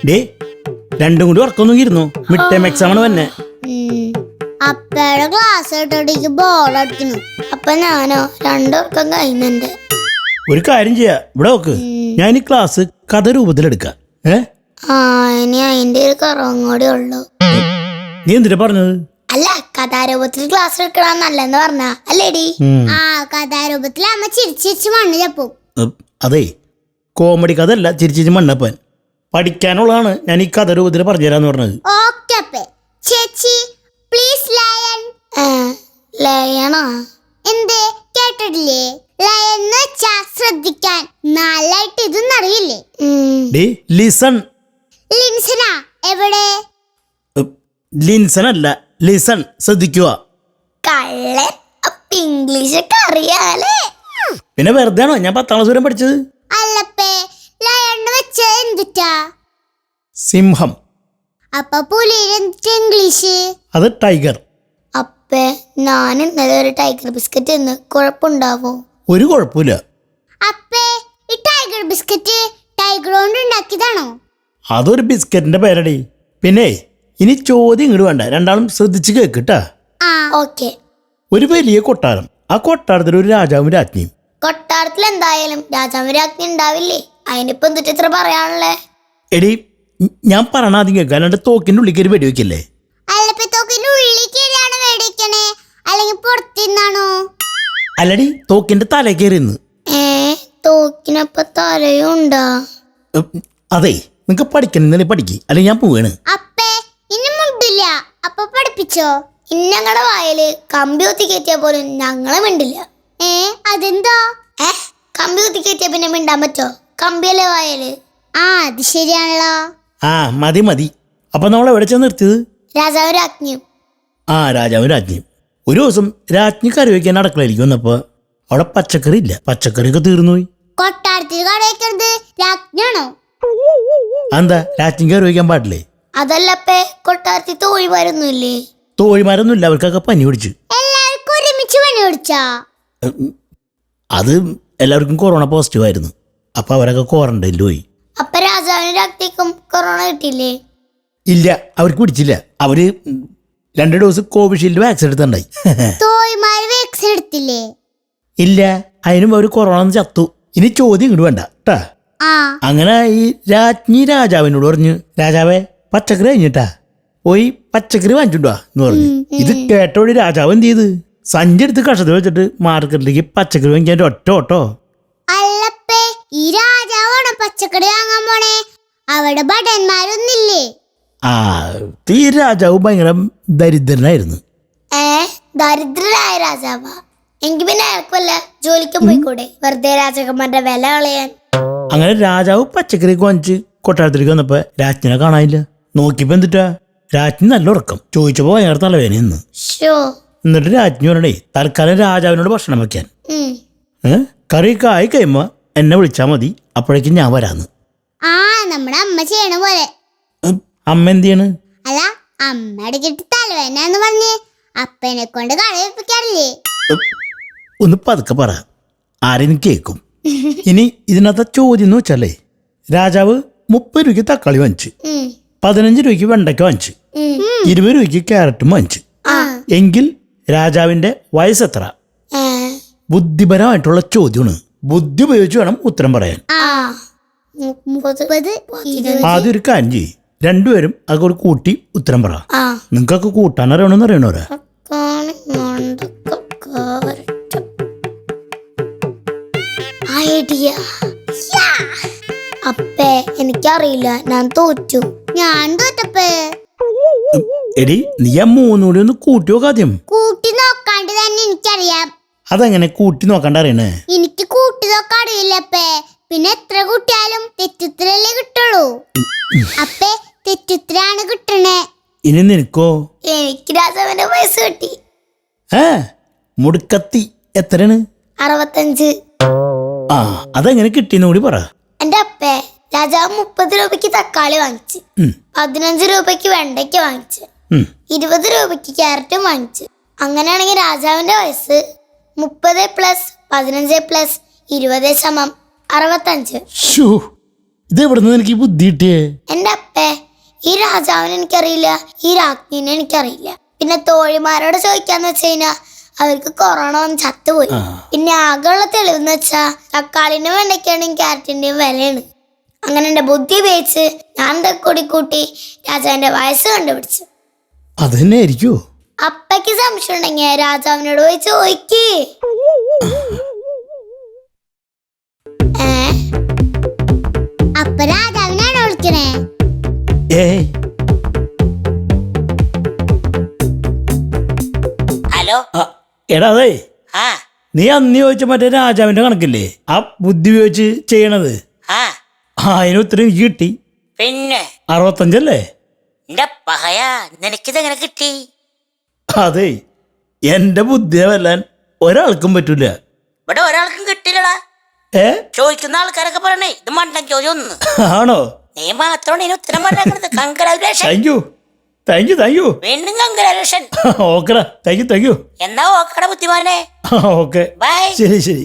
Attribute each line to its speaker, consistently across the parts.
Speaker 1: Day രണ്ടും കൂടി ഉറക്കൊന്നും ഇരുന്നു. മിഡ് ടൈം എക്സാം ആണ് തന്നെ.
Speaker 2: അപ്പയുടെ ക്ലാസ് കേട്ടോടേക്ക് ബോൾ അടിക്കുന്നു. അപ്പൊ ഞാനോ രണ്ടുപേർക്കും കഴിഞ്ഞുണ്ട്.
Speaker 1: ഒരു കാര്യം ചെയ്യാ, ഇവിടെ നോക്ക്, ഞാൻ ഈ ക്ലാസ് കഥ രൂപത്തിലെടുക്കാം.
Speaker 2: ഇനി അതിന്റെ ഒരു കുറവും കൂടി ഉള്ളു.
Speaker 1: നീ എന്തിനാ പറഞ്ഞത്?
Speaker 2: അല്ല, കഥാരൂപത്തിൽ ക്ലാസ് എടുക്കണം നല്ലെന്ന് പറഞ്ഞ അല്ലേടി? കഥാരൂപത്തിൽ അമ്മ ചിരിച്ചിരിച്ച് മണ്ണ് ചപ്പും.
Speaker 1: അതെ, കോമഡി കഥ അല്ല, ചിരിച്ചിരിച്ച് മണ്ണപ്പാൻ. പഠിക്കാനുള്ളതാണ് ഞാൻ ഈ കഥ രൂപത്തിൽ പറഞ്ഞുതരാന്ന് പറഞ്ഞത്.
Speaker 2: ഓക്കെ അപ്പേ. ചേച്ചി പ്ലീസ് ലയൺ. ലയണോ? എന്തേ കേട്ടിട്ടില്ലേ? ലയൺ എന്ന് വെച്ചാ ശ്രദ്ധിക്കാൻ. നാലായിട്ട് ഇതൊന്നും അറിയില്ലേ?
Speaker 1: ലിസൺ.
Speaker 2: ലിൻസനാ? എവിടെ?
Speaker 1: ലിൻസൺ അല്ല, ലിസൺ, ശ്രദ്ധിക്കുക.
Speaker 2: കള്ളൻ. അപ്പൊ ഇംഗ്ലീഷ് ഒക്കെ അറിയാലേ?
Speaker 1: പിന്നെ വെറുതെ ആണോ ഞാൻ 10ാം ക്ലാസ് വരെ പഠിച്ചത്?
Speaker 2: അല്ലപ്പേ, ലയൺ വെച്ച എന്തിട്ടാ?
Speaker 1: സിംഹം.
Speaker 2: അപ്പൊ പുലിയുടെ എന്തിട്ടാ ഇംഗ്ലീഷ്?
Speaker 1: അത് ടൈഗർ.
Speaker 2: അപ്പേ, ഞാൻ ഇന്നലെ ഒരു ടൈഗർ ബിസ്ക്കറ്റ് തിന്ന്, കുഴപ്പമുണ്ടാവോ?
Speaker 1: ഒരു കുഴപ്പമില്ല.
Speaker 2: അപ്പേ, ഈ ടൈഗർ ബിസ്ക്കറ്റ് ടൈഗർ കൊണ്ട് ഉണ്ടാക്കിയതാണോ?
Speaker 1: അതൊരു ബിസ്ക്കറ്റിന്റെ പേരടി. പിന്നെ ഇനി ചോദ്യം ഇങ്ങോട്ട് വേണ്ട, രണ്ടാളും ശ്രദ്ധിച്ച് കേക്കിട്ടാ.
Speaker 2: ഓക്കെ.
Speaker 1: ഒരു വലിയ കൊട്ടാരം, ആ കൊട്ടാരത്തിൽ ഒരു രാജാവും രാജ്ഞിയും.
Speaker 2: കൊട്ടാരത്തിൽ എന്തായാലും രാജാവും രാജ്ഞി ഉണ്ടാവില്ലേ? അതിനിപ്പോ എന്തിട്ട് ഇത്ര പറയാനുള്ളേ?
Speaker 1: എടി, ഞാൻ പറഞ്ഞ ആദ്യം കേൾക്കാം, അല്ലാണ്ട് തോക്കിന്റെ ഉള്ളിൽ കയറി വെടിവെക്കല്ലേ.
Speaker 2: അല്ലപ്പോ തോക്കിന്റെ ഉള്ളിൽ കയറിയാണ് വെടിവെക്കണേ, അല്ലെങ്കിൽ പുറത്തുനിന്നാണോ?
Speaker 1: അല്ലടി, തോക്കിന്റെ തല കയറിന്ന്.
Speaker 2: തോക്കിനപ്പ തലയുണ്ടാ?
Speaker 1: അതെ, നിങ്ങക്ക് പഠിക്കണമെന്നല്ലേ പഠിക്ക്, അല്ലെങ്കിൽ ഞാൻ പോവാണ്.
Speaker 2: അപ്പേ, ഇനി മുണ്ടില്ല. അപ്പൊ പഠിപ്പിച്ചോ? ഇന്നങ്ങളുടെ വായല് കമ്പി കുത്തി കയറ്റിയാ പോലും ഞങ്ങളെ മിണ്ടില്ല. അതെന്താ? കമ്പി കുത്തി കയറ്റിയാ പിന്നെ മിണ്ടാൻ പറ്റോ? കമ്പിയല്ലേ വായല്. അത് ശരിയാണല്ലോ.
Speaker 1: മതി മതി. അപ്പൊ നമ്മൾ എവിടെ ചെന്ന് നിർത്തിയത്?
Speaker 2: രാജാവും രാജ്ഞിയും.
Speaker 1: രാജാവും രാജ്ഞിയും. ഒരു ദിവസം രാജ്ഞി കറി വയ്ക്കാൻ അടുക്കളയിലേക്ക് വന്നപ്പോ അവിടെ പച്ചക്കറി ഇല്ല. പച്ചക്കറിയൊക്കെ തീർന്നുപോയി.
Speaker 2: കൊട്ടാരത്തിൽ കറി വയ്ക്കുന്നത് രാജ്ഞിയാണോ?
Speaker 1: എന്താ, രാജ്ഞി കറി വയ്ക്കാൻ പാടില്ലേ?
Speaker 2: അതല്ലപ്പേ, കൊട്ടാരത്തിൽ തോഴിമാരൊന്നുമില്ലേ?
Speaker 1: തോഴിമാരൊന്നും ഇല്ല, അവർക്കൊക്കെ പനി പിടിച്ചു.
Speaker 2: എല്ലാവർക്കും ഒരുമിച്ച് പനി പിടിച്ചാ?
Speaker 1: അത് എല്ലാവർക്കും കൊറോണ പോസിറ്റീവ് ആയിരുന്നു. അപ്പൊ അവരൊക്കെ ക്വാറന്റൈനിൽ പോയി.
Speaker 2: അപ്പൊ രാജാവിനും രാജ്ഞിക്കും കൊറോണ കിട്ടില്ലേ?
Speaker 1: ഇല്ല, അവർക്ക് പിടിച്ചില്ല. അവര് 2 ഡോസ് കോവിഷീൽഡ് വാക്സിൻ എടുത്തുണ്ടായി.
Speaker 2: തോഴിമാര് വാക്സിൻ എടുത്തില്ലേ?
Speaker 1: ഇല്ല, അതിനും അവർ കൊറോണ ചത്തു. ഇനി ചോദ്യം ഇങ്ങോട്ട് വേണ്ട കേട്ടാ. അങ്ങനെ ഈ രാജ്ഞി രാജാവിനോട് പറഞ്ഞു, രാജാവേ പച്ചക്കറി കഴിഞ്ഞിട്ടാ, പോയി പച്ചക്കറി വാങ്ങിച്ചിട്ടുവാ എന്ന് പറഞ്ഞു. ഇത് കേട്ടോടി രാജാവ് എന്ത് ചെയ്ത്, സഞ്ചി എടുത്ത് കഷത്തിൽ വെച്ചിട്ട് മാർക്കറ്റിലേക്ക് പച്ചക്കറി വാങ്ങിക്കാൻ ഒറ്റ ഓട്ടോ.
Speaker 2: അല്ലപ്പേ, ഈ രാജാവാണോ പച്ചക്കറി വാങ്ങാൻ പോണേ? അവിടെ ഭടന്മാരൊന്നില്ലേ?
Speaker 1: ഈ രാജാവ് ഭയങ്കര ദരിദ്രനായിരുന്നു.
Speaker 2: ദരിദ്രനായ രാജാവാ? എങ്കിൽ പിന്നെ അയാൾക്കല്ല ജോലിക്കും പോയിക്കൂടെ, വെറുതെ രാജാക്കന്മാരുടെ വില കളയാൻ.
Speaker 1: അങ്ങനെ രാജാവ് പച്ചക്കറി വാങ്ങിച്ച് കൊട്ടാരത്തിലേക്ക് വന്നപ്പോ രാജ്ഞിനെ കാണാനില്ല. നോക്കിയപ്പോ എന്തിട്ടാ, രാജ്ഞി നല്ല ഉറക്കം. ചോദിച്ചപ്പോ ഭയങ്കര തലവേന നിന്ന്. എന്നിട്ട് രാജ്ഞി പറഞ്ഞേ, തൽക്കാലം രാജാവിനോട് ഭക്ഷണം വെക്കാൻ. കറിയൊക്കെ ആയി കഴിയുമ്പോ എന്നെ വിളിച്ചാ മതി, അപ്പോഴേക്കും ഞാൻ വരാന്ന്.
Speaker 2: നമ്മുടെ അമ്മ ചെയ്യണ പോലെ.
Speaker 1: അമ്മ എന്ത് ചെയ്യണ്?
Speaker 2: അല്ല, അമ്മ ഇടയ്ക്കിട്ട് തലവേന പറഞ്ഞ് അപ്പനെ കൊണ്ട് കളയിപ്പിക്കാറില്ലേ?
Speaker 1: ഒന്ന് പതുക്കെ പറ, ആരെയും കേൾക്കും. ഇനി ഇതിനകത്തെ ചോദ്യം എന്ന് വെച്ചാലേ, രാജാവ് 30 രൂപയ്ക്ക് തക്കാളി വാങ്ങിച്ചു, 15 രൂപയ്ക്ക് വെണ്ടയ്ക്ക വാങ്ങിച്ചു, 20 രൂപയ്ക്ക് ക്യാരറ്റും വാങ്ങിച്ചു. എങ്കിൽ രാജാവിന്റെ വയസ്സെത്ര? ബുദ്ധിപരമായിട്ടുള്ള ചോദ്യമാണ്. ബുദ്ധി ഉപയോഗിച്ച് വേണം ഉത്തരം പറയാൻ. ആദ്യം ഒരു കാര്യം ചെയ്യ്, രണ്ടുപേരും അതൊക്കെ കൂട്ടി ഉത്തരം പറ. നിങ്ങൾക്കൊക്കെ കൂട്ടാൻ അറിയണമെന്ന് അറിയണോരാ?
Speaker 2: അപ്പേ, എനിക്കറിയില്ല, ഞാൻ തോറ്റു. ഞാൻ തോറ്റപ്പേ.
Speaker 1: എടി, നീ ആ 3 കൂടി ഒന്ന് കൂട്ടി നോക്ക. ആദ്യം
Speaker 2: കൂട്ടി നോക്കാണ്ട് തന്നെ എനിക്കറിയാം.
Speaker 1: അതെങ്ങനെ കൂട്ടി നോക്കാണ്ട് അറിയണേ?
Speaker 2: എനിക്ക് കൂട്ടി നോക്കാൻ അറിയില്ലപ്പേ. പിന്നെ എത്ര കൂട്ടിയാലും തെറ്റുത്തരല്ലേ കിട്ടുള്ളൂ. അപ്പേ, തെറ്റുത്തരാണ് കിട്ടണേ.
Speaker 1: ഇനി നിനക്കോ?
Speaker 2: എനിക്ക് രാജാവിന്റെ വയസ്സ് കിട്ടി.
Speaker 1: മുടുക്കത്തി എത്രയാണ്?
Speaker 2: 65.
Speaker 1: അതെങ്ങനെ കിട്ടിയെന്ന് കൂടി പറ.
Speaker 2: എന്റെ അപ്പേ, രാജാവ് 30 രൂപയ്ക്ക് തക്കാളി വാങ്ങിച്ചു, 15 രൂപയ്ക്ക് വെണ്ടയ്ക്ക് വാങ്ങിച്ചു, 20 രൂപയ്ക്ക് ക്യാരറ്റും വാങ്ങിച്ചു. അങ്ങനെയാണെങ്കിൽ രാജാവിന്റെ വയസ്സ് 30 + 15 + 20 = 65.
Speaker 1: ഇത് എവിടുന്ന് എനിക്ക് ബുദ്ധി കിട്ടിയേ?
Speaker 2: എന്റെ അപ്പേ, ഈ രാജാവിനെ എനിക്കറിയില്ല, ഈ രാജ്ഞിനെ എനിക്കറിയില്ല. പിന്നെ തോഴിമാരോട് ചോദിക്കാന്ന് വെച്ച് കഴിഞ്ഞാ അവർക്ക് കൊറോണ വന്ന് ചത്തുപോയി. പിന്നെ ആകെയുള്ള തെളിവെന്ന് വെച്ചാ തക്കാളിന്റെ വെണ്ടയ്ക്കാണെങ്കിൽ ക്യാരറ്റിന്റെയും വിലയാണ്. അങ്ങനെ എന്റെ ബുദ്ധി ഉപയോഗിച്ച് ഞാൻ കൂടി കൂട്ടി രാജാവിന്റെ വയസ്സ് കണ്ടുപിടിച്ചു.
Speaker 1: അത് തന്നെ ആയിരിക്കോ?
Speaker 2: അപ്പയ്ക്ക് സംശയം ഉണ്ടെങ്കിൽ രാജാവിനോട് പോയി ചോദിക്കേ. അപ്പ രാജാവിനാണോ വിളിക്കണേ?
Speaker 1: ഏയ്,
Speaker 3: ഹലോ.
Speaker 1: എടാ അതെ,
Speaker 3: ആ
Speaker 1: നീ അന്ന് ചോദിച്ച മറ്റേ രാജാവിന്റെ കണക്കില്ലേ, ആ ബുദ്ധി ഉപയോഗിച്ച് ചെയ്യണത്,
Speaker 3: ആ
Speaker 1: അതിന് ഉത്തരം എനിക്ക് കിട്ടി.
Speaker 3: പിന്നെ
Speaker 1: 65
Speaker 3: എന്റെ പഹയ, നിനക്കിതെങ്ങനെ കിട്ടി?
Speaker 1: അതെ, എന്റെ ബുദ്ധിയെ വെല്ലാൻ ഒരാൾക്കും പറ്റൂല.
Speaker 3: ഇവിടെ ഒരാൾക്കും കിട്ടില്ലടാ. ചോദിക്കുന്ന ആൾക്കാരൊക്കെ പറയണേ ഇത് മണ്ടൻ ചോദ്യം ഒന്ന്.
Speaker 1: ആണോ?
Speaker 3: നീ മാത്രമാണ് ഇതിന് ഉത്തരം പറഞ്ഞത്. കൺഗ്രാജുലേഷൻ.
Speaker 1: Thank you.
Speaker 3: വീണ്ടും കൺഗ്രാജുലേഷൻ.
Speaker 1: ഓക്കെടാ, താങ്ക് യു.
Speaker 3: എന്നാ ഓക്കട ബുദ്ധിമാനെ.
Speaker 1: Okay,
Speaker 3: by.
Speaker 1: ശരി.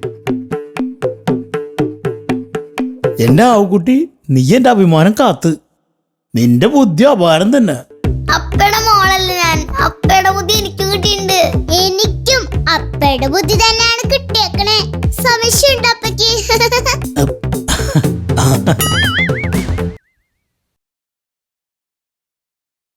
Speaker 1: എന്റെ ആവുകുട്ടി, നീ എന്റെ അഭിമാനം കാത്ത്. നിന്റെ ബുദ്ധി അപാരം തന്നെ.
Speaker 2: അപ്പയുടെ മോളല്ല ഞാൻ. അപ്പയുടെ ബുദ്ധി എനിക്കും കിട്ടിയിട്ടുണ്ട്. എനിക്കും അപ്പയുടെ ബുദ്ധി തന്നെയാണ് കിട്ടിയേക്കണേ. സംശയമുണ്ട് അപ്പയ്ക്ക്.